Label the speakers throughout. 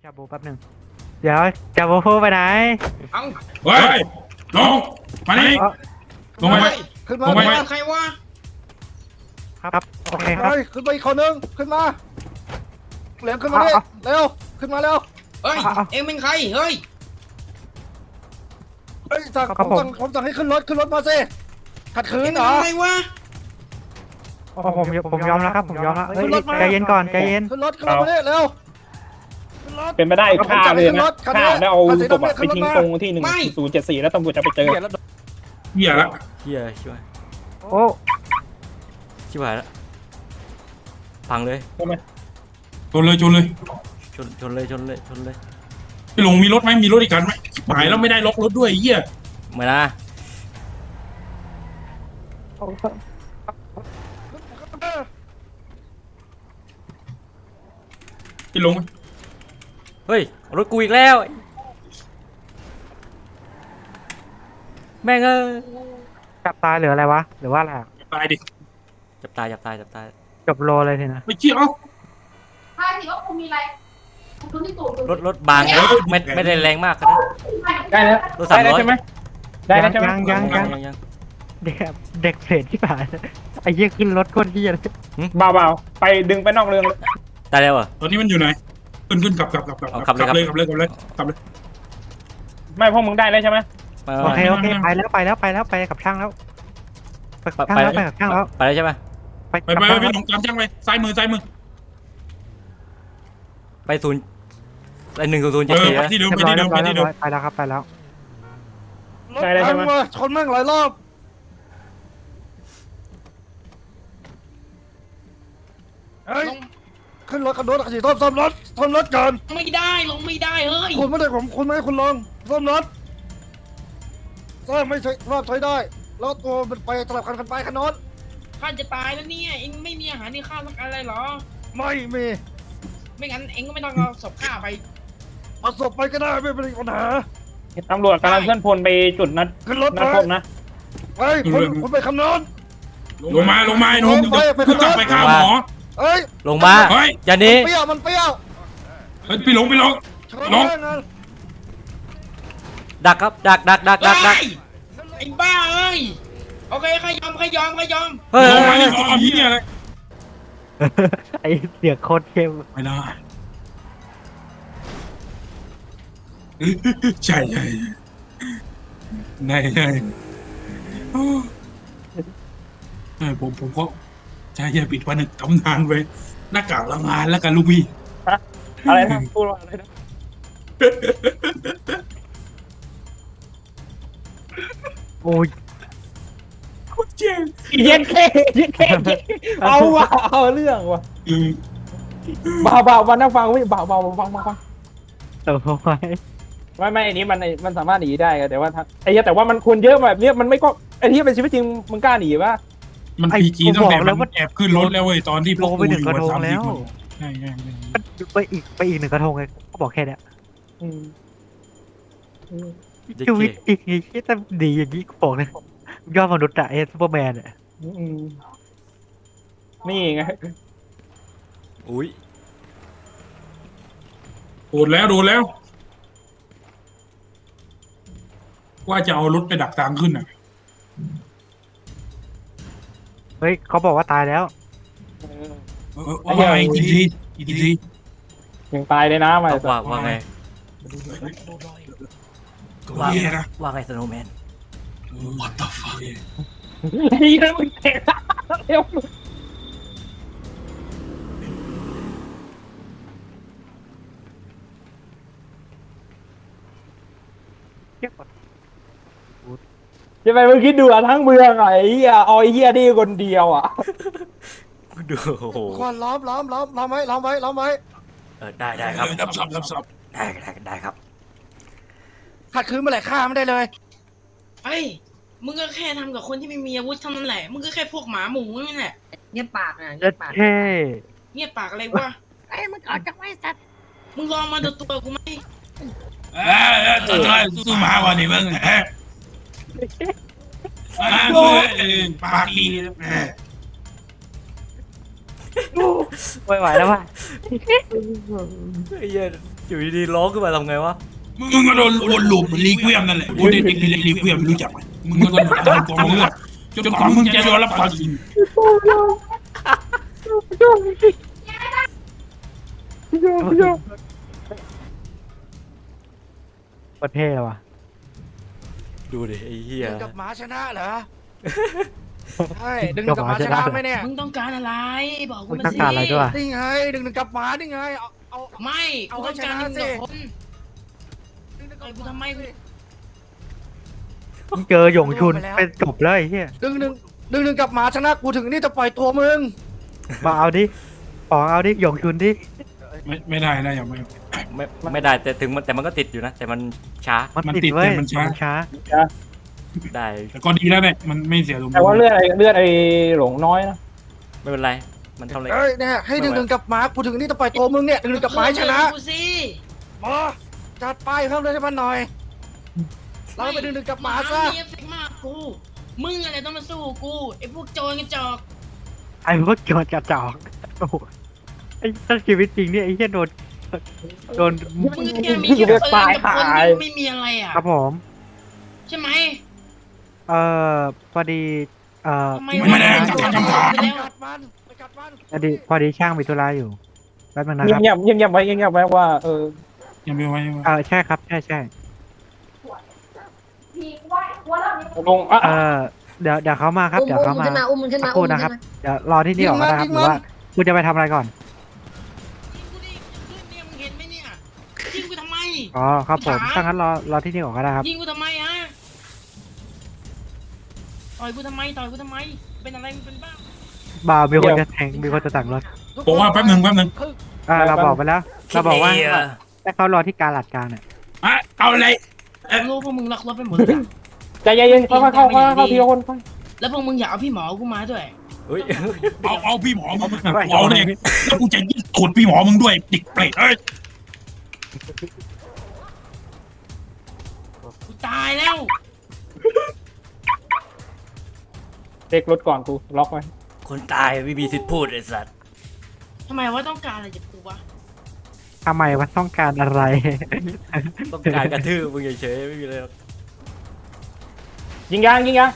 Speaker 1: ชาบูแป๊บหนึ่งเดี๋ยวชาบูพูดไปไหน
Speaker 2: เอ้า
Speaker 3: เฮ้ยลงมานี่
Speaker 1: เอ้า
Speaker 3: ลงไป
Speaker 4: ขึ้นมา
Speaker 3: ลงไป
Speaker 4: ขึ้นมา
Speaker 2: ใครวะ
Speaker 1: ครับโอเคครับ
Speaker 4: เฮ้ยขึ้นมาอีกคนนึงขึ้นมาเหลียมขึ้นมาดิ
Speaker 1: เอา
Speaker 4: เร็วขึ้นมาเร็ว
Speaker 2: เฮ้ย เอ็งเป็นใคร เฮ้ย
Speaker 4: เฮ้ยสั่ง
Speaker 1: ครับผม
Speaker 4: ผมสั่งให้ขึ้นรถมาสิขัดขื
Speaker 2: เอ็
Speaker 4: น
Speaker 2: ง
Speaker 4: เหรอ
Speaker 2: ทำอะไรวะ
Speaker 1: ผมยอมแล้วครับผมยอมแล้วเฮ้ยใจเย็นก่อนใจเย็น
Speaker 4: ขึ้นรถมาดิเร็วขึ้นรถ
Speaker 5: เป็นไปได้ฆ่าเลยนะ
Speaker 4: คัน
Speaker 5: ฆ่า
Speaker 4: นี้
Speaker 5: แล้วเอา
Speaker 4: คันสี
Speaker 5: ศพ
Speaker 4: ดำเนี่ย
Speaker 5: ไปทิ้งตรงที่1074แล้วตำรวจจะไปเจอ
Speaker 3: เหี้ยละ
Speaker 6: เฮียชิบหาย
Speaker 1: โอ้
Speaker 6: ชิบหายแล้วพังเลย
Speaker 3: ชนเลยชนเลย
Speaker 6: ชนเลยชนเลย
Speaker 3: พี่หลงมีรถไหมมีรถอีกคันไหมหายแล้วไม่ได้ล็อกรถด้วยไอ้เหี้ย
Speaker 6: เหมือนนะ
Speaker 3: พี่หลง
Speaker 6: เฮ้ยรถกูอีกแล้วแม่งเอ้ย
Speaker 1: จับตายหรืออะไรวะหรือว่าอะไรอะ
Speaker 3: ตายดิ
Speaker 6: จับตาย
Speaker 1: จบโลเลยทีนะ
Speaker 3: ไม่เกี่ยว
Speaker 7: ถ้าสิว่าคุณมีอะไรคุณที่ตูด
Speaker 6: รถบางไม่ได้แรงมากนะ
Speaker 5: ได้แล้ว
Speaker 6: รถ300
Speaker 5: ได้แล้วใช่ไหมได้แล้วใช่ไหม
Speaker 1: ยัง เด็กเพลทที่ผ่านไอ้เหี้ยขึ้นรถก้นเหี้ยเลย
Speaker 5: เบาๆไปดึงไปนอกเรื่องเลย
Speaker 6: ตายแล้วเหรอ
Speaker 3: ตอนนี้มันอยู่ไหนขึ้นกลับ
Speaker 6: เอาขับเลย
Speaker 5: ไม่พวกมึงได้แล้วใช่ไหม
Speaker 1: โอเคไปกับช่างแล้วไปกับช่างแล้ว
Speaker 6: ไปแล้วใช่ไหม
Speaker 3: ไปพี่หลงตามช่างไปซ้ายมือ
Speaker 6: ไป0ไป1007
Speaker 3: ไปที่เดิม
Speaker 1: เรียบร้อยไปแล้วครับไปแล้ว
Speaker 4: รถพังว่ะชนแม่งหลายรอบเฮ้ย
Speaker 2: ลง
Speaker 4: ขึ้นรถกันรถขัดสีซ่อมรถก่อน
Speaker 2: ไม่ได้ ลงไม่ได้ เฮ้ย
Speaker 4: คุณไม่ได้คุณไม่ให้คุณลงซ่อมรถสร้างไม่ใช่รอบใช้ได้ แล้วตัวมันไปสลับกันไปคันโน้น
Speaker 2: ข้าจะตายแล้วเนี่ย เอ็งไม่มีอาหารในข้าวสักอะไรเหรอ
Speaker 4: ไม่มี
Speaker 2: ไม่งั้นเอ็งก็ไม่ต้องเอาศพข้าไป
Speaker 4: เอาศพไปก็ได้ไม่เป็นปัญหา
Speaker 5: ตำรวจกำลังเคลื่อนพลไปจุดนัด
Speaker 4: ขึ้นรถ
Speaker 5: นัด
Speaker 4: ไป
Speaker 5: พบนะ
Speaker 4: เฮ้ยคุณไปคำนน
Speaker 3: ลงมาหนุ่มกลับไปฆ่าหมอ
Speaker 4: เฮ้ย
Speaker 6: ลงมา
Speaker 3: เฮ้ย
Speaker 6: อย่าหนี้
Speaker 4: มันเปรี้ยว
Speaker 3: เฮ้ยพี่หลง
Speaker 4: ชน
Speaker 3: น้อง
Speaker 4: แม่งเลย
Speaker 6: ดักครับดัก
Speaker 2: เฮ้ย ไอ้บ้าเอ้ย โอเคใครยอม
Speaker 6: เฮ้ย
Speaker 3: ลงมานี่เอาที่เนี่ยเลย
Speaker 1: ไอ้เสียงโคตรเข้ม
Speaker 3: ไม่ได้ใช่ผมก็ใช่ปิดวันหนึ่งทำงานไว้หน้ากากละงานแล้วกันลูกพี่
Speaker 5: อะไรนะพูดว่าอะไรนะ
Speaker 1: โอ้ย
Speaker 3: โคตรเจ๋ง
Speaker 5: เย็นแค่เอาว่ะเอาเรื่องว่ะเบาวันนั่งฟังพี่เบาฟัง
Speaker 1: เติมเข้าไป
Speaker 5: ไม่อันนี้มันสามารถหนีได้แต่ว่าไอ้แต่ว่ามันคนเยอะแบบนี้มันไม่ก็ไอ้ที่เป็นชีวิตจริงมึงกล้าหนีป่ะ
Speaker 3: มันพีจีตั้งแต่มันแอบขึ้นรถแล้วเว้ยตอนที่พ
Speaker 1: ล
Speaker 3: วก
Speaker 1: ง
Speaker 3: กู
Speaker 1: ไป
Speaker 3: อ
Speaker 1: หนึ่ง
Speaker 3: ยู่
Speaker 1: กระทง
Speaker 3: 3
Speaker 1: แล้ว
Speaker 3: คนใช่
Speaker 1: ไปอีก1กระทงไงก็บอกแค่เนี้ย
Speaker 6: เด็ก
Speaker 1: ชีวิต
Speaker 6: เก๋
Speaker 1: อีกที่จะดีอย่างนี้กูบอกเลยยอดมนุษย์อะซูเปอร์แมนอะ
Speaker 5: นี่ไง
Speaker 6: อุ้ย
Speaker 3: โดนแล้วว่าจะเอารถไปดักทางขึ้นอ่ะ
Speaker 1: เฮ้ยเขาบอกว่าตายแล้ว
Speaker 3: ว่าอีกที
Speaker 5: ยังตายเลยนะมา
Speaker 6: ว่าไง
Speaker 3: ตัวเหี้ยนะ
Speaker 6: ว่าไงสโนว์แมน
Speaker 3: What the fuck
Speaker 5: ไอ้เรื่องมึงเตะเร็ว จะไปมึงคิดดูอ่ะทั้งเมืองอ่ะไอ้เหี้ยเอาไอ้เหี้ยนี่คนเดียวอ่ะ
Speaker 6: ดูโอ้โห
Speaker 4: ควันล้อมไว้
Speaker 6: ได้ครับ
Speaker 3: รับสับ
Speaker 6: ได้ครับ
Speaker 4: ขัดขืนเมื่อไหร่ฆ่าไม่ได้เลย
Speaker 2: เฮ้ย มึงก็แค่ทำกับคนที่ไม่มีอาวุธเท่านั้นแหละ มึงก็แค่พวกหมาหมูนั่นแหละ
Speaker 7: เงียบปากนะ
Speaker 1: เจ็ดเท่
Speaker 2: เงียบปากอะไรวะ
Speaker 7: ไอ้มึงออกจากไว้สัตว์
Speaker 2: มึงลองมาดูตัวกูไหม
Speaker 3: สู้มาวันนี้มึงปากดี
Speaker 1: ไม่ไหวแล้วว่ะ
Speaker 6: ไอ้เหี้ยอยู่ดีๆร้องขึ้นมาทำไงวะ
Speaker 3: มึงก็โดนวนลูปเหมือนลีเวียมนั่นแหละโอ้เด็กลีเวียมรู้จักไหมมึงก็โดนตามกองเลือดจนกว่ามึงจะโดนรับความจริง
Speaker 1: ประเทศว่ะ
Speaker 6: ดูดิไอ้เหี้ย
Speaker 4: ดึงกับหมาชนะเหรอใช่ดึงกับหมาชนะไหมเนี่ย
Speaker 2: มึงต้องการอะไรบอกกู
Speaker 1: มึง
Speaker 2: มา
Speaker 1: ต้อง
Speaker 2: สิ
Speaker 1: การอะไรด้วย
Speaker 4: นี่ไงดึงกับหมานี่ไงเอา
Speaker 2: ไม่
Speaker 4: เอา
Speaker 2: กู
Speaker 4: ให้
Speaker 2: ต้องการ
Speaker 4: ชนะ
Speaker 2: หนึ่ง
Speaker 4: สิ
Speaker 2: กับคน
Speaker 4: ดึง
Speaker 2: ไอ้กูทำไมกู
Speaker 1: มึงเจอหยงชุนเป็นจบเลยไอ้เฮีย
Speaker 4: ดึงกับหมาชนะกูถึงนี่จะปล่อยตัวมึง
Speaker 1: มาเอาดิขอเอาดิหยงชุนดิ
Speaker 3: ไม่ได้นะอย่างไม่
Speaker 6: ไม่ได้แต่มันก็ติดอยู่นะ แต่มันช้า
Speaker 1: มัน
Speaker 3: มัน
Speaker 1: ติด
Speaker 3: ติด
Speaker 1: เว้ย
Speaker 3: แต่มันช้า
Speaker 1: ช้า
Speaker 6: ได้
Speaker 3: แต่ก็ดีแล้วเนี่ยมันไม่เสียลม
Speaker 5: แต่ว่าเลือดไอ้หลงน้อยนะ
Speaker 6: ไม่เป็นไรมันทำอะไร
Speaker 4: เอ้ยเนี่ยให้ดึงกับหมากูถึงนี่จะปล่อยตัวมึงเนี่ยดึงกับหมาให้ชนะ
Speaker 2: กูสิ
Speaker 4: มาจัดไปเพิ่มเลยให้มันหน่อยเราไปดึงกับหมาซะ
Speaker 2: เอฟเฟกต์มากกูมึงอะไรต้องมาสู้กูไอ้พวกโจรกระจอก
Speaker 1: ไอ้พวกโจรกระจอกโอ้โหไอ้ถ้าชีวิตจริงเนี่ยไอ้เหี้ยโดน
Speaker 2: มึงแค่มีแค่ปืนกับคนไม่มีอะไรอ่ะ
Speaker 1: ครับผม
Speaker 2: ใช่ไหม
Speaker 1: พอดี
Speaker 2: ทำไม
Speaker 3: ไม่ได้
Speaker 2: วะ
Speaker 3: จับ
Speaker 2: ไป
Speaker 4: ไป
Speaker 2: แล้ว
Speaker 4: กัดมันไปกัดมัน
Speaker 1: พอดีช่างมีธุระอยู่แป๊บนึงนะ
Speaker 5: เงี
Speaker 1: ค
Speaker 5: ย
Speaker 1: รั
Speaker 5: บบ เงียบไว้ว่า
Speaker 3: ยังไม่ไว้
Speaker 1: ใช่ครับใช่
Speaker 7: พี่ว่าว่าเราเนี่ย
Speaker 5: ลงอ่ะ
Speaker 1: เดี๋ยวเขามาครับเดี๋ยวเขามา
Speaker 7: อุ้มมันขึ้นมา
Speaker 1: สักครู่นะครับเดี๋ยวรอที่นี่ก่อนนะครับหรือว่าคุณจะไปทำอะไรก่อน
Speaker 2: ยิงกูดิขึ้นเนี่ยมึงเห็นไหมเนี่ยยิงกูทำไม
Speaker 1: อ๋อครับผมถ้างั้นรอที่นี่ก่อนก็ได้ครับ
Speaker 2: ยิงกูทำไมฮะต่อยกูทำไมเป็นอะไรมึงเป็นบ้า
Speaker 1: บ่าวมีคนจะแทงมีคนจะสั่งรถ
Speaker 3: บอกว่าแป๊บหนึ่ง
Speaker 1: เราบอกไปแล้วเราบอกว่าให้เขารอที่การหลัดกลางเนี่ย
Speaker 3: อ่ะเอาอะไร
Speaker 2: รู้พวกมึงล็อกรถไปหมดเลยอะ
Speaker 5: ใจเย็นๆเข้าทีละคน
Speaker 2: แล้วพวกมึงอยากเอาพี่หมอกูมาด้วย
Speaker 6: เฮ้ย
Speaker 3: เอาพี่หมอมึงเอาเนี่ยแล้วกูจะยิ่งกดพี่หมอมึงด้วยดิกเปรตเอ้ย
Speaker 2: กูตายแล้ว
Speaker 5: เช็ครถก่อนกูล็อกไว้
Speaker 6: คนตายไม่มีสิทธิ์พูดไอ้สัตว์
Speaker 2: ทำไมว่าต้องการอะไรจากกูวะ
Speaker 1: ทำไมว่าต้องการอะไร
Speaker 6: ต้องการกระทืบมึงเฉยๆไม่มีอะไรหรอก
Speaker 5: ยิงยาง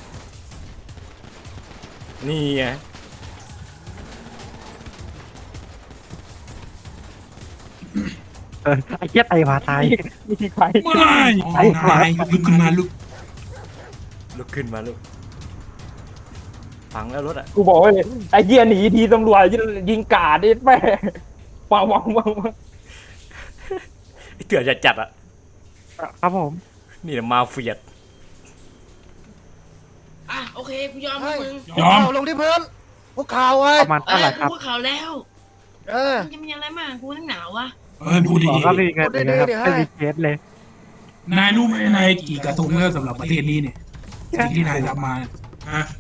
Speaker 6: นี่ไง
Speaker 1: ไอ้เหี้ยไตมาตาย
Speaker 5: มีใคร
Speaker 3: ไม่นายลุกขึ้นมาลุก
Speaker 6: ลุกขึ้นมาลูกฝังแล้วรถอ่ะ
Speaker 5: กูบอกว่าไอ้เหี้ยหนีทีตำรวจยิงกาดไอ้แม่ปัง
Speaker 6: เถื่อนจัดๆอ่ะ
Speaker 1: ครับผม
Speaker 6: นี่แหละมาเฟียด
Speaker 2: อ่ะโอเคกูยอมให้มึง
Speaker 3: ยอม
Speaker 4: ข่าวลงที่พื้นพวกข่าวไว้
Speaker 1: ประมาณเท่าไหร่ครับ
Speaker 2: กูข่าวแล้ว
Speaker 4: เออ
Speaker 2: มันจะมีอะไรมากกูทั้งหนาววะ
Speaker 3: ดูดิ
Speaker 1: บอกก็ไม่มีเงินเลยนะครับไม่มีเคสเลย
Speaker 3: นายรู้ไหมนายกี่กระทงแล้วสำหรับประเทศนี้เนี่ยสิ่งที่นายทำมาฮะ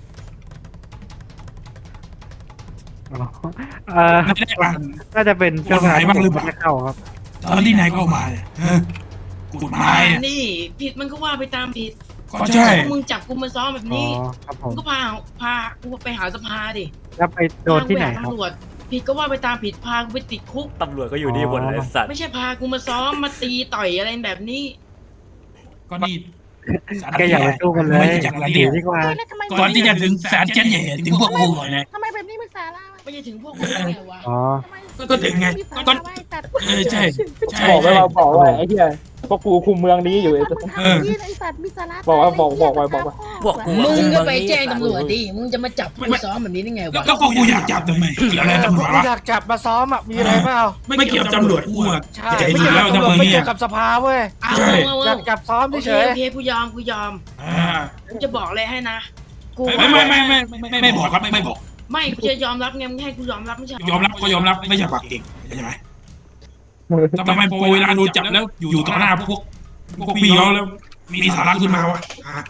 Speaker 3: ไม่ได้อ่าน
Speaker 1: น่าจะเป็นช่วงเวลาที่ผมไม่ได้เข้าครับ
Speaker 3: ตอนที่นายเข้ามาเนี่ยกฎหมายเนี่ย
Speaker 2: นี่ผิดมันก็ว่าไปตามผิด
Speaker 3: ก็ใช่
Speaker 2: พวกมึงจับกูมาซ้อมแบบ
Speaker 1: อ๋อ
Speaker 2: นี้
Speaker 1: ครับผ
Speaker 2: มึ
Speaker 1: ม
Speaker 2: งก็พากูไปหาสภาดิ
Speaker 1: แล้วไปโดนที่ไหนครับ
Speaker 2: ตำรวจผิดก็ว่าไปตามผิดพากูไปติดคุก
Speaker 6: ตำรวจก็อยู่นี่หมดเลยไอ้สัตว์
Speaker 2: ไม่ใช่พากูมาซ้อมมาตีต่อยอะไรแบบนี้
Speaker 3: ก็นี่
Speaker 1: แกอย่าไปสู้กันเลย
Speaker 3: ไม่ใช่จากระ
Speaker 1: ห
Speaker 3: เดี
Speaker 1: นี
Speaker 3: ยว
Speaker 1: ดีกว่า
Speaker 3: ก่อนที่จะถึงศาลเจนใหญ่ถึงพวกกูหน่อยนะ
Speaker 7: ทำไมแบบนี้มันสาระ
Speaker 2: ไม่ใช่ถึงพวกมึงไงวะ
Speaker 1: อ๋อ
Speaker 3: ก็ถึงไงก็ใช่ใช่
Speaker 5: บอกไว้ไอ้เหี้ยพวกกูคุมเมืองนี้อยู่ไอ้
Speaker 7: ไอ้สัตว์มีสาระ
Speaker 5: บอกว่า
Speaker 6: พวกกู
Speaker 2: มึ
Speaker 6: อะ
Speaker 2: ง
Speaker 6: คุม
Speaker 2: ก็
Speaker 6: เมือง
Speaker 2: ไป
Speaker 6: นี้
Speaker 2: แจ้งตำรวจดิมึงจะมาจับกูซ้อมแบบนี้ได้ไงวะ
Speaker 3: แล้วก็กูอยากจับทำไมเกี่ยวอะไรตำรวจ
Speaker 4: กู
Speaker 3: วะ
Speaker 4: อยากจับมาซ้อมอ่ะมีอะไรเปล่า
Speaker 3: ไม่เกี่ยวตำรวจกูอ่ะ
Speaker 4: ใช่
Speaker 3: ใจ
Speaker 4: ไม่
Speaker 3: ดี
Speaker 4: เกี่ยว
Speaker 3: แล้
Speaker 4: กับ
Speaker 3: ว
Speaker 4: ตำรวจ
Speaker 3: จะมา
Speaker 4: ไม่
Speaker 3: เนี่
Speaker 4: เกี่
Speaker 3: ย
Speaker 4: ยวกับสภาเว้ย
Speaker 2: เอา
Speaker 3: ใช่
Speaker 2: เอา
Speaker 4: อยากจับซ้อม
Speaker 2: โอเค
Speaker 4: เฉย
Speaker 2: โอเคกูยอมกูจะบอกเลยให้นะกู
Speaker 3: ไม่บอกครับไม่บอก
Speaker 2: ไม่กูจะยอมรับไงมึงให้กูยอมรับไม่ใช่
Speaker 3: ยอมรับก็ยอมรับไม่ใช่ปากเก่งใช่ไหมทำไมพอเวลาโดนจับแล้วอยู่ต่อหน้าพวกพี่น้องแล้วมีสาระขึ้นมาวะ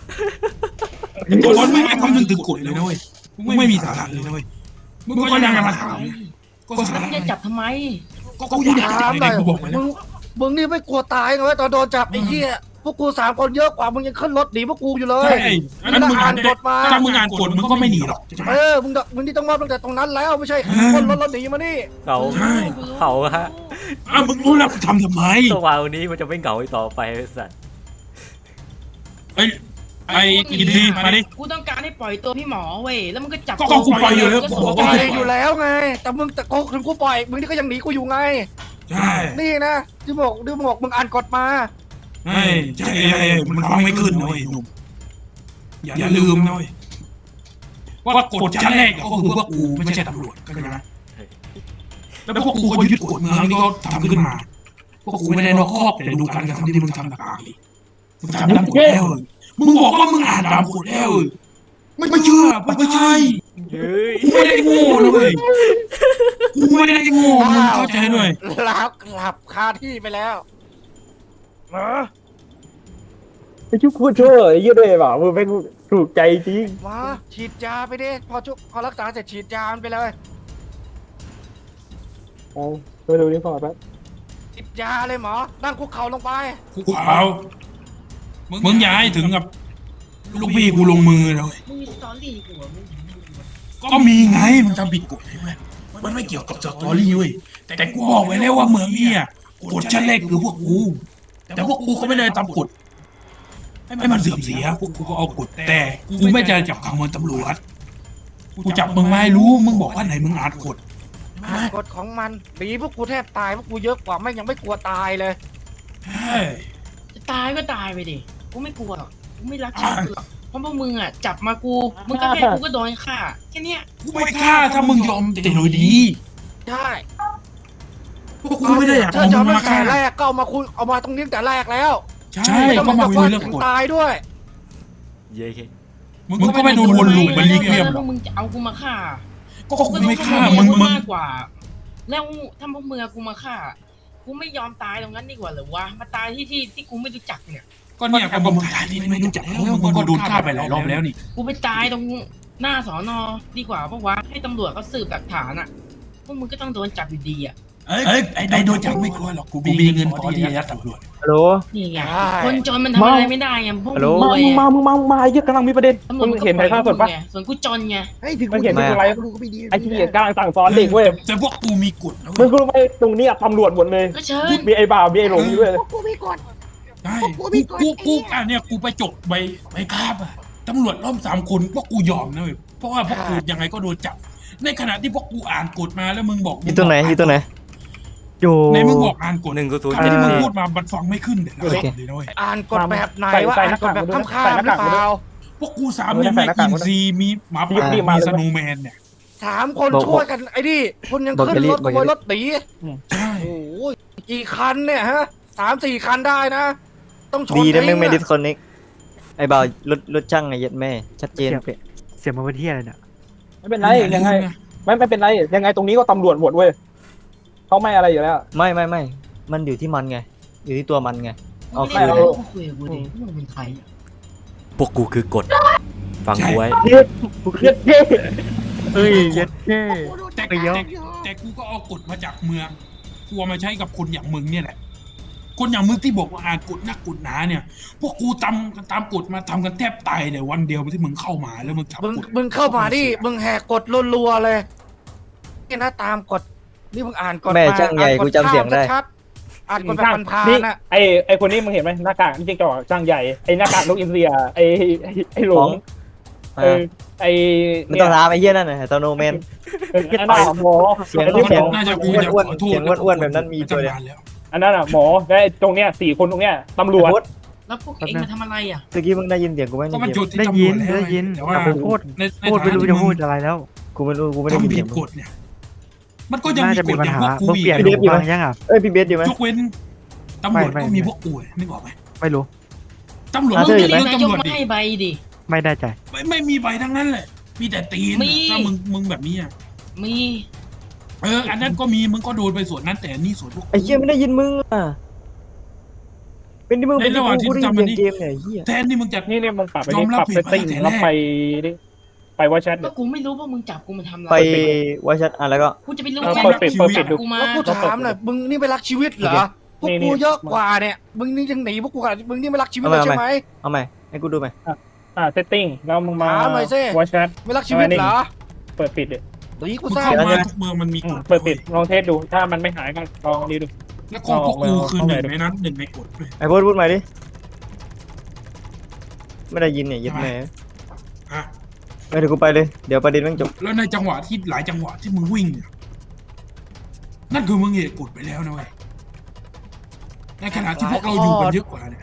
Speaker 3: คนไม่คำนึงถึงกฎเลยนะเว้ยไม่มีสาระเลยนะเว้ยมึงก็ยังมาถามก็สา
Speaker 2: แล้ว
Speaker 3: ระ
Speaker 2: มึงจะจับทำไม
Speaker 3: ก็กูอยาก
Speaker 4: ถาม
Speaker 3: จับ
Speaker 4: หน่อย
Speaker 3: กูบอกไปแล้ว
Speaker 4: มึงนี่ไม่กลัวตายไงวะตอนโดนจับไอ้เหี้ยพวกกู3 คนเยอะกว่ามึงยังขึ้นรถหนีพวกกูอยู่เลย
Speaker 3: ใช่งั้นมึงอ่านกฎมาถ้ามึงอ่านกฎมึงก็ไม่หนีหรอก
Speaker 4: มึงนี่ต้องมอบตั้งแต่ตรงนั้นแล้วไม่ใช่ขึ้นรถแล้วหนีมานี่
Speaker 6: เขาฮะ
Speaker 3: มึงรู้แล้วทำไม
Speaker 6: ตัววาวนี้มันจะไม่เหงาอีกต่อไปไอ้สัตว์
Speaker 3: ไอ้กินดีมาดิ
Speaker 2: กูต้องการให้ปล่อยตัวพี่หมอเว้ยแล้วมึงก็จับ
Speaker 3: ก็กูปล่อยอยู่แล้ว
Speaker 2: ก็
Speaker 3: กู
Speaker 2: ส่ง
Speaker 3: บอก
Speaker 4: ป
Speaker 2: ไป
Speaker 3: ว่า
Speaker 4: ล่อยอยู่แล้วไง แต่มึงแต่กูถึงกูปล่อยมึงนี่ก็ยังหนีกูอยู่ไง
Speaker 3: ใช่
Speaker 4: นี่นะที่บอกมึงอ่านกฎมา
Speaker 3: ใช่มันฟังไม่ขึ้นนะเว้ยหนุ่มอย่าลืมนะเว้ยว่ากฎชั้นแรกก็คือพวกกูไม่ใช่ตำรวจก็ใช่ไหมแล้วพวกกูก็ยึดกฎเมืองที่เขาทำขึ้นมาพวกกูไม่ได้นอกคอกแต่ดูการกระทำที่มึงทำต่างๆมึงทำตามกฎแล้วมึงบอกว่ามึงอ่านตามกฎแล้วไม่เชื่อไม่ใช่
Speaker 6: เฮ้ย
Speaker 3: กูไม่ได้โง่นะเว้ยกูไม่ได้โง่มึงเข้าใจหน่อย
Speaker 4: แล้วกลับคาที่ไปแล้วเออ
Speaker 5: ไอ้ชุกพูดชั่วไอ้เหี้ยด้วยเปล่ามึงเป็นถูกใจจริง
Speaker 4: มาฉีดยาไปดิพอรักษาเสร็จฉีดยามันไปเลย
Speaker 5: เอาไปดูนี่ก่อนแป๊บ
Speaker 4: ฉีดยาเลยหมอนั่งคุกเข่าลงไป
Speaker 3: กูเอามึงอย่าให้ถึงกับลูกพี่กูลงมือเลย
Speaker 2: มึงมีสตอรี่กูเหรอมึง
Speaker 3: ก็มีไงมันทำผิดกฎใช่ไหมมันไม่เกี่ยวกับสตอรี่เว้ยแต่กูบอกไว้แล้วว่าเมืองเนี่ยกฎชั้นแรกคือพวกกูแต่พวกกูก็ไม่ได้ตามกฎให้มันเสื่อมเสียพวกกูก็เอากฎแต่กูไม่จะจับขังมึงตำรวจกูจับมึงไม่รู้มึงบอกว่าไหนมึงอ่านกฎ
Speaker 4: กฎของมันดีพวกกูแทบตายพวกกูเยอะกว่าไม่งยังไม่กลัวตายเลย
Speaker 3: ใช่
Speaker 2: จะตายก็ตายไปดิกูไม่กลัวหรอกกูไม่รักชาติหรอกเพราะพวกมึงอ่ะจับมากูมึงก็แค่กูก็โดนฆ่าแค่เนี้ย
Speaker 3: กูไม่ฆ่าถ้ามึงยอมแต่โดยดี
Speaker 4: ใช่
Speaker 3: พวกกูไม่ได้อยาก
Speaker 4: เธอจะ
Speaker 3: เอา
Speaker 4: เอา
Speaker 3: มึง
Speaker 4: ตั้
Speaker 3: มาง ฆ่า
Speaker 4: แต่แรกก็เอามาคุยเอามาตรงนี้ตั้งแต่แรกแล้ว
Speaker 3: ใช่
Speaker 4: ไม่ต้
Speaker 3: ก็
Speaker 4: อง
Speaker 3: มา
Speaker 4: มา
Speaker 3: คุ
Speaker 4: คุ
Speaker 3: ย
Speaker 4: ย
Speaker 3: เรื่อง
Speaker 4: ถึง
Speaker 3: กฎ
Speaker 4: ตายด้วย
Speaker 6: เย้เค
Speaker 3: มึงก็ไม่โดนวนลูปมันลีกเลี่ยม
Speaker 2: แล้ว
Speaker 3: หร
Speaker 2: พ
Speaker 3: อ
Speaker 2: ว
Speaker 3: ก
Speaker 2: กมึงจะเอากูมาฆ่า
Speaker 3: ก็กูไม่ฆ่า
Speaker 2: มึ
Speaker 3: มึง
Speaker 2: มากกว่า แล้วถ้าพวกมึงเอากูมาฆ่ากูไม่ยอมตายตรงนั้นดีกว่าเหรือวะมาตายที่กูไม่รู้จักเนี่ย
Speaker 3: ก็เนี่ยก็มึงตายนี่ไม่รู้จักแล้วมึงก็โดนฆ่าไปหลายรอบแล้วนี่
Speaker 2: กูไปตายตรงหน้าสอนอดีกว่าเพราะว่าให้ตำรวจเขาสืบหลักฐานอ่ะพวกมึงก็ต้องโดนจับอยู่ดีอ่ะ
Speaker 3: ไอ้โดนจับไม่กลัวหรอกกูมีเงินพอที่จะยัดตำรวจ
Speaker 5: ฮัลโหล
Speaker 2: นี่ไง
Speaker 4: ใช่
Speaker 2: คนจนมันทำอะไรไม่ได้ไงพวก
Speaker 5: ฮัลโหล
Speaker 2: มึงรวย
Speaker 5: มาไอ้เหี้ยกำลังมีประเด็น
Speaker 2: ตำรว
Speaker 5: มึ
Speaker 2: จ
Speaker 5: งเห็นถ่ายทอดสดปะ
Speaker 2: ส่วนกูจนไง
Speaker 4: ให้ถึง
Speaker 5: มันเห็นที่อะไร
Speaker 4: ดูก็ไม่ดี
Speaker 5: ไอ้ที่กำลังสั่งสอนเด็กเว้ย
Speaker 3: แต่พวกกูมีกฎนะ
Speaker 5: มึ
Speaker 3: เว้
Speaker 5: ง
Speaker 3: ย
Speaker 5: รู้ไหมตรงเนี้ยตำรวจหมดเลย
Speaker 2: ก็เชิญ
Speaker 5: มีไอ้บ่าวมีไอ้หลงอยู่ด้วย
Speaker 4: กูมีกฎ
Speaker 3: ใช่กูเนี่ยกูไปจบใบคาบอะตำรวจล้อม3 คนพวกกูยอมนะเว้ยเพราะว่าพวกกูยังไงก็โดนจับ ในขณะที่พวกกูอ่านกฎมาแล้วมึงบอก
Speaker 8: อยู่ตรงไหนอยู่ตรงไหน
Speaker 1: อยู่
Speaker 3: ในมึงบอกอ่านกฎ
Speaker 6: 100
Speaker 3: คำที่มึงพูดมามันฟังไม่ขึ้นเลยนะ
Speaker 8: โอเค
Speaker 3: เลยนะเว้ย
Speaker 4: อ่านกฎแบบไหนว่าอ่านกฎแบบข้ามๆหรือเปล่า
Speaker 3: พวกกู3เนี่ยแม่กินซีมีหมาป่ามีสโนว์แมนเนี่ย
Speaker 4: 3 คนช่วยกันไอ้นี่คุณยังขึ้นรถขโมยรถหนี
Speaker 3: ใช่
Speaker 4: โอ้ยกี่คันเนี่ยฮะ3-4 คันได้นะ ต้องชน
Speaker 8: ดีนะมึงไม่ดิ
Speaker 4: ทิ้
Speaker 8: สคอนเน็กไอ้บ่าวรถช่างไอ้เหี้ย็ดแม่ ชัดเจน
Speaker 1: เสียงมันเป็นที่อะไรเนี่ย
Speaker 5: ไม่เป็นไรยังไงไม่เป็นไรยังไงตรงนี้ก็ตำรวจหมดเว้ยเขาไม่อะไรอยู่แล้ว
Speaker 8: ไม่มันอยู่ที่มันไง อยู่ที่ตัวมันไง โอเค
Speaker 2: ไม่ได้กูคุยกับกูดิพวกมึงเป็นใครอะ
Speaker 6: พวกกูคือกฎฟังกูไว้
Speaker 5: เย็ดเย็ด
Speaker 1: เฮ้ยเย็ดเท่
Speaker 3: แต่
Speaker 1: ไปเยอะ
Speaker 3: แต่กูก็เอากฎมาจากเมืองกูเอามาใช้กับคนอย่างมึงเนี่ยแหละ คนอย่างมึงที่บอกว่าอ่านกฎนักกฎหนาเนี่ย พวกกูตามกฎมาทำกันแทบตายเลยวันเดียวที่มึงเข้ามาแล้วมึงจับ
Speaker 4: มึงเข้ามาดิมึงแหกกฎรัวๆเลยนี่นะตามกฎนี่มึงอ่านกฎ
Speaker 8: แม่ช่างใหญ่กูจำเสียงได้
Speaker 4: ชัดๆอ่านกฎแบบพัน
Speaker 5: นี่
Speaker 4: ๆน่ะ
Speaker 5: ไอ้คนนี้มึงเห็นไหมหน้ากากนี่จริงๆก็ช่างใหญ่ไอ้หน้ากากนกอินเดียไอ้หลงไอ้
Speaker 8: ไม่ต้องถามไอ้เหี้ยนั่นน่ะตโนแมน
Speaker 5: อันนั้นหมอ
Speaker 8: เสียงเสียง
Speaker 3: น่าจะกูจะขอโทษ
Speaker 8: เสียงอ้วนๆแบบนั้นมีตัวเดียว
Speaker 3: แล้ว
Speaker 5: อันนั้นอ่ะหมอและตรงเนี้ย4 คนตรงเนี้ยตำรวจ
Speaker 2: แล้วพวกเองมาทำอะไรอ่ะ
Speaker 8: เมื่อกี้มึงได้ยินเสียงกูไหม
Speaker 3: ก็มัน
Speaker 8: ในเก
Speaker 3: จุ
Speaker 8: ม
Speaker 3: ดที่
Speaker 1: ได้
Speaker 3: ตำร
Speaker 1: ยิ
Speaker 3: วน จแล้ว
Speaker 1: ได้ยิน
Speaker 3: แต่ว่า
Speaker 1: แต่ผมพูด
Speaker 3: ใน
Speaker 1: ไม่รู้จะพูดอะไรแล้ว
Speaker 8: กูไม่ได้ยิน
Speaker 3: ทำ
Speaker 8: เสี
Speaker 3: ผิ
Speaker 8: ย
Speaker 3: ด
Speaker 8: ง
Speaker 3: กฎเนี่ย มันก็ยัง
Speaker 1: น่า
Speaker 3: มี
Speaker 1: จะ
Speaker 3: ก
Speaker 1: มี
Speaker 3: ฎ
Speaker 1: ปัญ
Speaker 3: อย่าง
Speaker 1: หา
Speaker 3: พวกกู
Speaker 1: มึงเปลี่ยน
Speaker 3: อีก
Speaker 1: หูฟังยังอ่ะ
Speaker 8: เอ้ยพี่เบสอยู่ไหม
Speaker 3: ยกเว้นตำรวจ
Speaker 1: ไม่
Speaker 3: ก็มีพวกกูนึกออกไหม
Speaker 1: ไม่รู้
Speaker 3: ตำรวจ
Speaker 2: มึง
Speaker 3: ก็
Speaker 2: ไม่
Speaker 3: มี
Speaker 2: ได้
Speaker 3: เรื่อง
Speaker 2: นายก
Speaker 3: ตำรวจ
Speaker 2: มา
Speaker 3: ดิ
Speaker 2: ให้ใบดิ
Speaker 1: ไม่ได้ใจ
Speaker 3: ไม่มีใบทั้งนั้นแหละ มีแต่ตีน
Speaker 2: มี
Speaker 3: ถ้ามึงแบบนี้อ่ะ
Speaker 2: มี
Speaker 3: อันนั้นก็มีมึงก็โดนไปส่วนนั้นแต่นี่ส่วนพวกกู
Speaker 8: ไอ้เหี้ยไม่ได้ยินมึงอ่ะเป็นที่มึงเป็นที่กูได้ยินเสียงเกมเนี่ยไอ้เหี้ย
Speaker 3: แทนที่มึงจะ
Speaker 5: นี่มึงปรับไป
Speaker 3: ยอ
Speaker 5: นี่
Speaker 3: มรับ
Speaker 5: ปรับ
Speaker 3: ผิ
Speaker 5: เซ
Speaker 3: ด
Speaker 5: ตติ้ง
Speaker 3: มาตั้งแต่
Speaker 5: แล้ว
Speaker 3: แรก
Speaker 5: ไปว่าแชท
Speaker 2: ก็กูไม่รู้ว่ามึงจับกูมาทำอะไร
Speaker 8: ไปวาชัดอ่ะแล้วก็
Speaker 2: กูจะไปรู้
Speaker 5: เออ
Speaker 2: ไง
Speaker 5: เปิดปิดเปิดปิดดู
Speaker 2: กูมา
Speaker 4: แล้วกูถามหน่อยมึงนี่ไม่รักชีวิตเหรอพวกกูเยอะกว่าเนี่ยมึงนี่ยังหนีพวกกูกันมึงนี่ไม่รักชีวิตเลยใช่ไหม
Speaker 8: เอาใหม่ให้กูดูไหม
Speaker 5: เซตติ้งแล้วมึงมา
Speaker 4: ถามหน่อยสิ
Speaker 5: ว่าแชท
Speaker 4: ไม่รักชีวิตเหรอ
Speaker 5: เปิดปิดดิ
Speaker 4: เดี๋ยวนี้กู
Speaker 3: มึง
Speaker 4: ทราบ
Speaker 3: เข้า
Speaker 4: นะ
Speaker 3: มาทุกเมืองมันมีกฎ
Speaker 5: เปิดปิดลองเทสดูถ้ามันไม่หายก็ลองดีดู
Speaker 3: แล้วก็พวกกูคือหนึ่งในนั้นหนึ่งในกฎด้วย
Speaker 8: ไอ้พูดใหม่ดิไม่ได้ยินเนี่ยยึดแม่
Speaker 3: อ่ะ
Speaker 8: ไม่ถึงกูไปเลยเดี๋ยวประเด็นแม่งจบ
Speaker 3: แล้วในจังหวะที่หลายจังหวะที่มึงวิ่งเนี่ยนั่นคือมึงเหตุกฎไปแล้วนะเว้ยในขณะที่พวกเราอยู่กันเยอะกว่าเนี่ย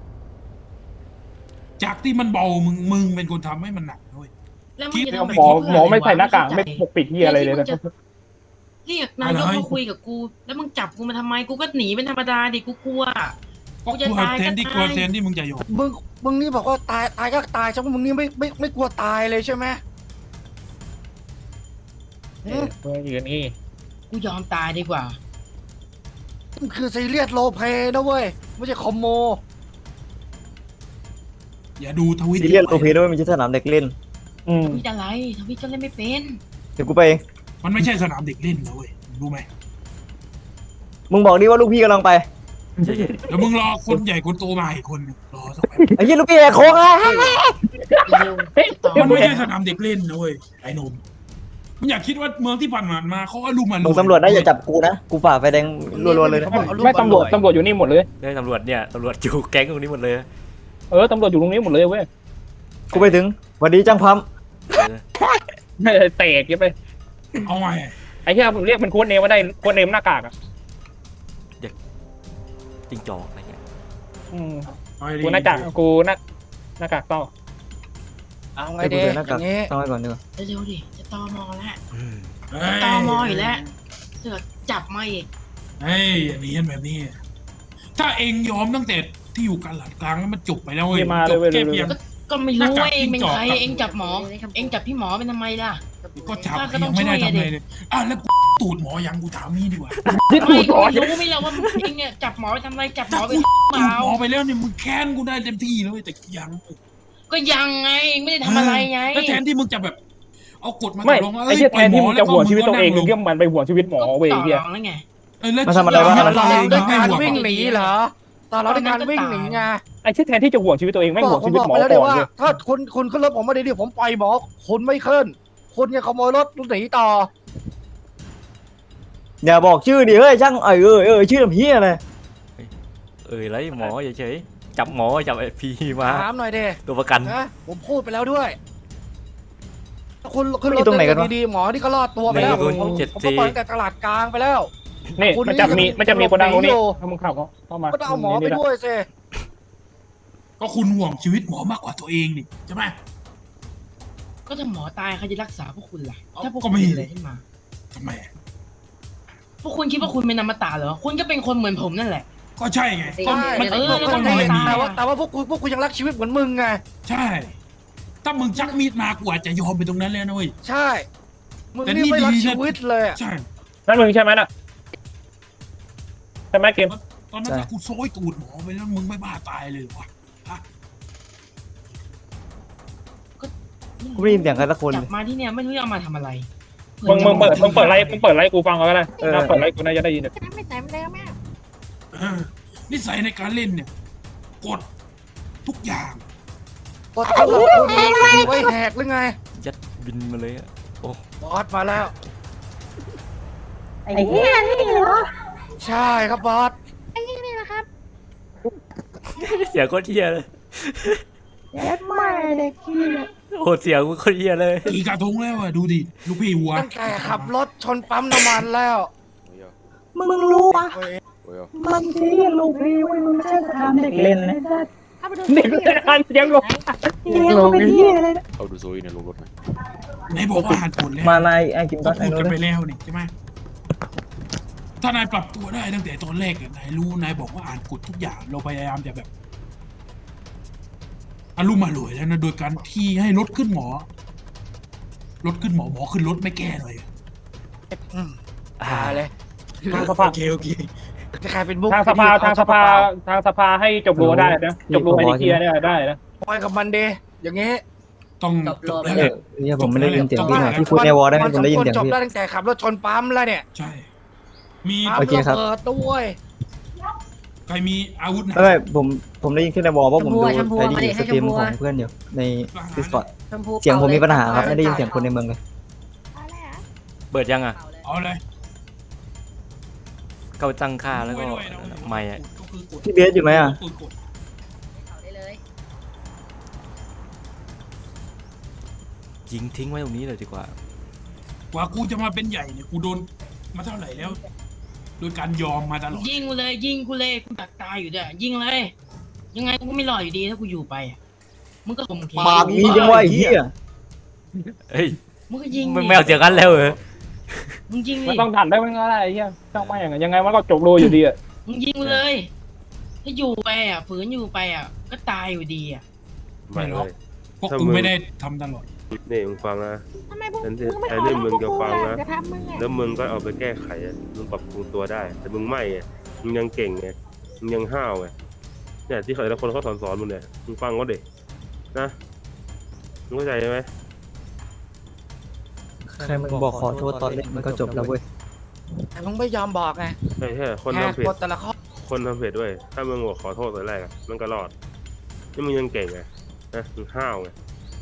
Speaker 3: จากที่มันเบามึงเป็นคนทำให้มันหนักนะเว้ย
Speaker 2: แล้วมึงจะทำแบบ
Speaker 5: หมอ
Speaker 2: นี้เพื่
Speaker 5: หมอไม่ใส่ห
Speaker 2: ะรวะ
Speaker 5: น้ากากไม่ปกปิดที่อะไรเลยนะ
Speaker 2: เรียกนายกมาคุยกับกู แล้วมึงจับกูมาทำไมกูก็หนีเป็นธรรมดาดิกูกลัว
Speaker 3: ก็กลัวแทนที่มึงจะยอม
Speaker 4: มึงนี่บอกว่าตายก็ตายใช่ไหมมึงนี่ไม่กลัวตายเลยใช่ไหม
Speaker 5: อย่างนี้
Speaker 2: กูยอมตายดีกว่า
Speaker 4: มันคือซีเรียสโรลเพลย์นะเว้ยไม่ใช่คอมโม
Speaker 3: อย่าดูทวิต
Speaker 8: ซีเรียสโอเพด้วยมันจะสนามเด็กเล่น
Speaker 2: ทวิตอะไรทวิตก็เล่นไม่เป็น
Speaker 8: เดี๋ยวกูไปเอง
Speaker 3: มันไม่ใช่สนามเด็กเล่นนะเว้ยรู้ไหม
Speaker 8: มึงบอกดิว่าลูกพี่กำลังไป
Speaker 3: แล้วมึงรอคนใหญ่คนโตมาอีกคนหนึ่งรอสักแป๊บ
Speaker 8: ไอ้ยี่ลูกพี่แหกโค้งอ่ะ
Speaker 3: มันไม่ใช่สนามเด็กเล่นนะเว้ยไอ้หนุ่มมึงอยากคิดว่าเมืองที่ผ่านมาเขาอารมณ์มัน
Speaker 8: มึงตำรวจนะอย่าจับกูนะกูฝ่าไฟแดงรัวๆเลยนะ
Speaker 5: ไม่ตำรวจอยู่นี่หมดเลย
Speaker 6: ได้ตำรวจเนี่ยตำรวจอยู่แก๊งตรงนี้หมดเลย
Speaker 5: ตำรวจอยู่ตรงนี้หมดเลยเว้ย
Speaker 8: กูไปถึงสวัสดีจ้างพัม
Speaker 5: เตะยับไป
Speaker 3: เอาไง
Speaker 5: ไอ้ที่เรียกเป็นโค้ดเนมมาได้โค้ดเนมหน้ากากอ่ะ
Speaker 6: จริงจอกอะไรเงี้ย
Speaker 5: กูหน้ากากเศร้า
Speaker 4: เอาไง
Speaker 8: ไอ้กู
Speaker 4: ดี
Speaker 8: เดิน
Speaker 4: อ
Speaker 8: หน้ากาก
Speaker 4: ย่างงี้
Speaker 8: ต้องไว้ก่อนดีกว่า
Speaker 2: เร็วๆดิจะตอมอแล้ว
Speaker 6: อืม
Speaker 2: ตอมออยู่แล้วเสือกจับมาอีก
Speaker 3: เฮ้ยอันนี้แบบนี้ ถ้าเองยอมตั้งแต่ที่อยู่กันหลัดกลางแล้วมันจบไปแล้วเว้ยจบแค่เพียง
Speaker 2: ก็ไม่รู้ว่าเองเป็นใครเองจับหมอ เองจับพี่หมอเป็นทำไมล่ะ
Speaker 3: ก็จับยังไม่ได้ทำอะไรเลยแล้วกูตูดหมอยังกูถามนี่ดีกว่า
Speaker 5: ที่ถู
Speaker 2: ไม่
Speaker 5: กต่อ
Speaker 2: รู้ไม่แล้วว่าเองเนี่ยจับหมอไปทำอะไรจับหม
Speaker 3: ถ้า
Speaker 2: อไป
Speaker 3: กู
Speaker 2: เป
Speaker 3: ตูด
Speaker 2: ล่า
Speaker 3: หมอไปแล้วเนี่ยมึงแค้นกูได้เต็มที่เลยแต่ยัง
Speaker 2: ก็ยังไงเองไม่ได้ทำอะไรไง
Speaker 3: แล้วแทนที่มึงจะแบบ เอากฎมา
Speaker 5: ไม่
Speaker 3: ลง
Speaker 5: ไอ้ที่แทนที่มึงจะห่วงชีวิตตัวเองมึงก็มันไปห่วงชีวิตหมอเว้ย
Speaker 2: ต่อ
Speaker 5: เฮีย
Speaker 2: รองแล้วไง
Speaker 8: มาทำอะไรวะ
Speaker 4: ตอนเราด้วยการวิ่งหนีเหรอตอนเราด้วยการวิ่งหนีไง
Speaker 5: ไอ้ที่แทนที่จะห่วงชีวิตตัวเองไม่ห่วง
Speaker 4: ผม
Speaker 5: ชีวิต
Speaker 4: บอก
Speaker 5: หมอ
Speaker 4: ไปแล้วเดี๋ย
Speaker 5: ก่
Speaker 4: ว
Speaker 5: อน
Speaker 4: ว่า
Speaker 5: เลย
Speaker 4: ถ้าคุณขึ้นรถผมมาดีๆผมปล่อยหมอคุณไม่ขึ้นคุณยังขโมยรถหนีต่อ
Speaker 8: อย่าบอกชื่อดิเฮ้ยช่างชื่อทำเฮียอะไร
Speaker 6: ไรหมอเฉยๆจับหมอจับไอ้พีมา
Speaker 4: ถามหน่อยเด้
Speaker 6: ตัวประกัน
Speaker 4: นะผมพูดไปแล้วด้วยคุณขึ้นรถดีๆหมอที่ก็รอดตัวไปแล้วผมก็ปล่อยแต่ตลาดกลางไปแล้ว
Speaker 5: นี่มันจะมีคนดังตรงนี้ถ้ามึงเข้ามา
Speaker 4: ก็ต้องเอาหมอไปด้วยสิ
Speaker 3: ก็คุณห่วงชีวิตหมอมากกว่าตัวเองนี่ใช่ไหม
Speaker 2: ก็ถ้าหมอตายใครจะรักษาพวกคุณล่ะ ถ้าพวก
Speaker 3: ก็
Speaker 2: คุณ
Speaker 3: ไม่
Speaker 2: เป็นอะไรขึ้นมา
Speaker 3: ทำไม
Speaker 2: พวกคุณคิดว่าคุณเป็นอมตะเหรอ คุณก็เป็นคนเหมือนผมนั่นแหละ
Speaker 3: ก็ใช่ไง
Speaker 4: ใช่
Speaker 3: มัน
Speaker 4: ก็
Speaker 3: มัน
Speaker 4: ใช่
Speaker 3: ไม่มี
Speaker 4: แต่ว่าพวกคุณยังรักชีวิตเหมือนมึงไง
Speaker 3: ใช่ ถ้ามึงชักมีดมากูอาจจะยอมไปตรงนั้นแล้วนะเว้ย
Speaker 4: ใช่มึงนี่ไม่รักชีวิตเลย
Speaker 3: ใช่
Speaker 5: นั่นมึงใช่ไหมน่ะใช่ไหมเกม
Speaker 3: ตอนนั้นถ้ากูโซยตูดหมอไปแล้วมึงไม่บ้าตายเลยเหรอวะ
Speaker 8: กูไม่ได้ยินเสียงใครสักคน
Speaker 2: จับมาที่เนี่ยไม่รู้จะเอามาทำอะไร
Speaker 5: มึงเปิดไลฟ์กูฟังก็ได้ถ้าเปิดไลฟ์กูน่าจะได้ยิน
Speaker 7: ไม่ใส่ไม่ได้แม่
Speaker 3: นิสัยในการเล่นเนี่ยกดทุกอย่าง
Speaker 4: บอสเขาบอกคุณมีไว้แหกหรือไง
Speaker 6: ยัดบินมาเลยอะ
Speaker 4: บอสมาแล้ว
Speaker 7: ไอ้เหี้ยนี่เหรอ
Speaker 4: ใช่ครับบอส
Speaker 7: ไอ้เหี้ยนี่นะครับ
Speaker 6: เสียงโคตรเฮียเลย
Speaker 7: เด็ดมากเด็กขี้เนี่ย
Speaker 6: โอ้เสียงโคตรเฮียเลย
Speaker 3: กี่กระทงแล้วอะดูดิลูกพี่วัว
Speaker 4: ตั้งแต่ขับรถชนปั๊มน้ำมันแล้ว
Speaker 8: มึงรู้ปะ
Speaker 4: เว้ย
Speaker 8: มันซีเรียสลูกพี่เว้ยมันไม่ใช่สนามเด็กเล่นนะ
Speaker 7: ถ้าไปดู
Speaker 5: เด็กเล่นเสียงลง
Speaker 8: เลี้ยงเป็นเฮียอะไรนะ
Speaker 9: เอาดูโซยในลงรถหน่อย
Speaker 3: ไหนบอกว่าอ่านกฎแล้ว
Speaker 8: มาไอ้กิม
Speaker 3: ก็
Speaker 8: ตัสไอ้
Speaker 3: พูด
Speaker 8: โน้
Speaker 3: กัน
Speaker 8: ต
Speaker 3: ไปแล้วนี่ใช่ไหมถ้านายปรับตัวได้ตั้งแต่ตอนแรกอะนายรู้นายบอกว่าอ่านกฎทุกอย่างเราพยายามจะแบบอารมณ์มาหลวยแล้วนะโดยการที่ให้รถขึ้นหมอหมอขึ้นรถไม่แก้เลย
Speaker 4: ตายเลย
Speaker 5: ทางสภา
Speaker 3: โอเค
Speaker 4: จะกลายเป็นบุ๊ก
Speaker 5: ทางสภาให้จบรัวได้นะจบรัวไอ้เกียร์เนี่ยได้นะ
Speaker 4: ปล่อยกับมันเดอย่างงี้
Speaker 3: ต้องจบแล้ว
Speaker 8: เนี่ยผมไม่ได้ยินเสียงพี่หน่อยพี่พูดในวอลได้ไหมผมได้ยินเสียง
Speaker 4: จบ
Speaker 8: พี่
Speaker 4: ได้ตั้งแต่ขับรถชนปั๊มแล้วเนี่ย
Speaker 3: ใช่ มี
Speaker 4: ปั๊ม
Speaker 8: โอเคครับ
Speaker 4: ระเบิดด้วย
Speaker 3: ใครมีอาวุธนะ
Speaker 8: ไม่ผมได้ยินแค่ในวอลเพราะผมดูไอ้ดีสตรีมของเพื่อนอยู่ใน Discord เสียงผมมีปัญหาครับไม่ได้ยินเสียงคนในเมืองเลย
Speaker 6: เปิดยังอ่ะ
Speaker 3: เอาเลย
Speaker 6: เข้าตั้งค่าแล้วก็
Speaker 3: ด้วยนะ
Speaker 6: ไม่อ่ะ
Speaker 3: ก็คือกด
Speaker 8: พี่เบสอยู่ไหมอ่ะ
Speaker 3: กด
Speaker 6: ยิงทิ้งไว้ตรงนี้เลยดีกว่า
Speaker 3: กว่ากูจะมาเป็นใหญ่เนี่ยกูโดนมาเท่าไหร่แล้ว โดยการยอมมาตลอด
Speaker 2: ยิงกูเลยยิงกูเลยกูดักตายอยู่ด้วยยิงเลย ยังไงกูก็ไม่รอดอยู่ดีถ้ากูอยู่ไปอะมึงก็ข่มขืน
Speaker 8: ปากมีจังวะไอ้เหี้ย
Speaker 6: เฮ้ย
Speaker 2: มึงก็ยิง
Speaker 6: ไม่เอาเสียงกันแล้วเหรอ
Speaker 2: มึงยิง
Speaker 5: มัน
Speaker 2: ดิ
Speaker 5: ต้องดันได้มันก็ได้ไอ้เหี้ยช่างไม่อย่างยังไงมันก็จบโลอยู่ดีอะ
Speaker 2: มึงยิงกูเลย ถ้าอยู่ไปอ่ะฝืนอยู่ไปอ่ะก็ตายอยู่ดีอ่ะ
Speaker 3: ไม่หรอกเพราะกูไม่ได้ทำตลอด
Speaker 9: นี่มึงฟังนะ
Speaker 7: ทำไมมึง
Speaker 9: ฉัน
Speaker 7: ไม่
Speaker 9: ไอ้
Speaker 7: เอา
Speaker 9: นี่
Speaker 7: แล้ว
Speaker 9: มึงจะฟังนะ
Speaker 7: จะทำมึงอ่ะ
Speaker 9: แล้วมึงก็เอาไปแก้ไขอะมึงปรับปรุงตัวได้ แต่มึงไม่ไงมึงยังเก่งไงมึงยังห้าวไงเนี่ยที่แต่ละคนเขาสอนมึงเนี่ยมึงฟังเขาเด็กนะมึงเข้าใจไหม
Speaker 8: ใครมึงบอกขอโทษตอนเล่นมันก็จบแล้วเว้ย
Speaker 4: แต่มึงไม่ยอมบอกไง
Speaker 9: ใช่คน
Speaker 4: แหก
Speaker 9: ทำผิด
Speaker 4: กฎแต่ละข้อ
Speaker 9: คนทำผิดด้วยถ้ามึงบอกขอโทษตอนแรกอะมันก็รอดนี่มึงยังเก่งไงนะมึงห้าวไง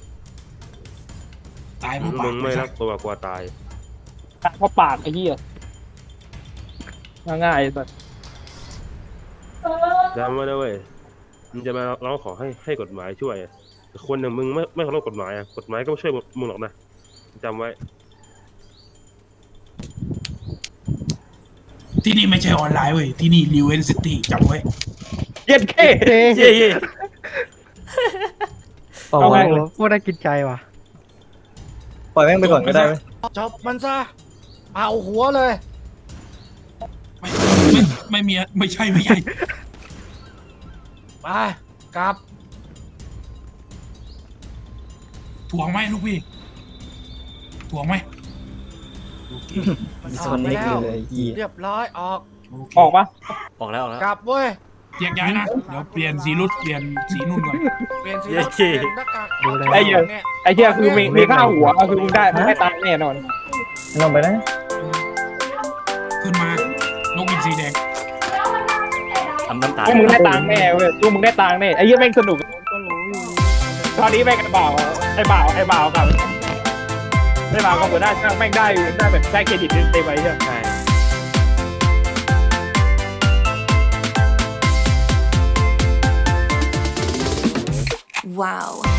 Speaker 3: ตายเพราะปา
Speaker 9: มึ
Speaker 3: ก
Speaker 9: งไม่รักตัวกลัวตาย
Speaker 5: เพราะปากไอ้เหี้ยง่ายๆสัส
Speaker 9: จำไว้นะเว้ยมึงจะมาร้องขอให้กฎหมายช่วยอะแต่คนอย่างมึงไม่เคารพกฎหมายอะกฎหมายก็ไม่ช่วยมึงหรอกนะจำไว้
Speaker 3: ที่นี่ไม่ใช่ออนไลน์เว้ยที่นี่รีเวนซิตี้จำไว้
Speaker 5: เย็ดเค้
Speaker 6: เย้เย้
Speaker 1: ปล่อย
Speaker 5: เอาไง
Speaker 1: โคตรน่ากินใจว่ะ
Speaker 8: ปล่อยแม่งไปก่อนก็ได้ไหม
Speaker 4: จบมันซะเอาหัวเลย
Speaker 3: ไม่มีไม่ใช่
Speaker 4: ไปกลับ
Speaker 3: ถ่วงไหมลูกพี่ถ่วงไหมโอเค
Speaker 4: มัน
Speaker 8: มี
Speaker 4: อ
Speaker 8: โซ
Speaker 4: อก
Speaker 8: น
Speaker 4: ไป
Speaker 8: นี้
Speaker 4: แล้
Speaker 8: คือ
Speaker 4: ว
Speaker 8: เลยไอ้เหี้ย
Speaker 4: เรียบร้อยออก
Speaker 3: โอเค
Speaker 5: ออกปะ
Speaker 6: ออกแล้วออกแล้ว
Speaker 4: กลับเว้ย
Speaker 3: แยกย้ายนะเดี๋ยวเปลี่ยนสีรุดเปลี่ยนสีนุ่นก่อน
Speaker 4: เปลี่ยนสีรถเปลี่ยนหน้ากาก
Speaker 1: ดูเลย
Speaker 5: ไอ้เหี้ย
Speaker 4: เนี่ย
Speaker 5: ไอ้เหี้ยคือมีค่าหัวคือมึงได้ตังค์แน่นอน
Speaker 8: ลงไปนะ
Speaker 3: ขึ้นมานกอินทรีแดง
Speaker 6: ทำน้ำตา
Speaker 5: พวกมึงได้ตังค์แน่เว้ยพวกมึงได้ตังค์แน่ไอ้เหี้ยแม่งสนุกตอนนี้แม่งไอ้บ่าวกับไอ้บ่าวกับหัวหน้าช่างแม่งได้แบบได้เครดิตเต็มไปใช่ไหม
Speaker 6: ใช่
Speaker 10: Wow.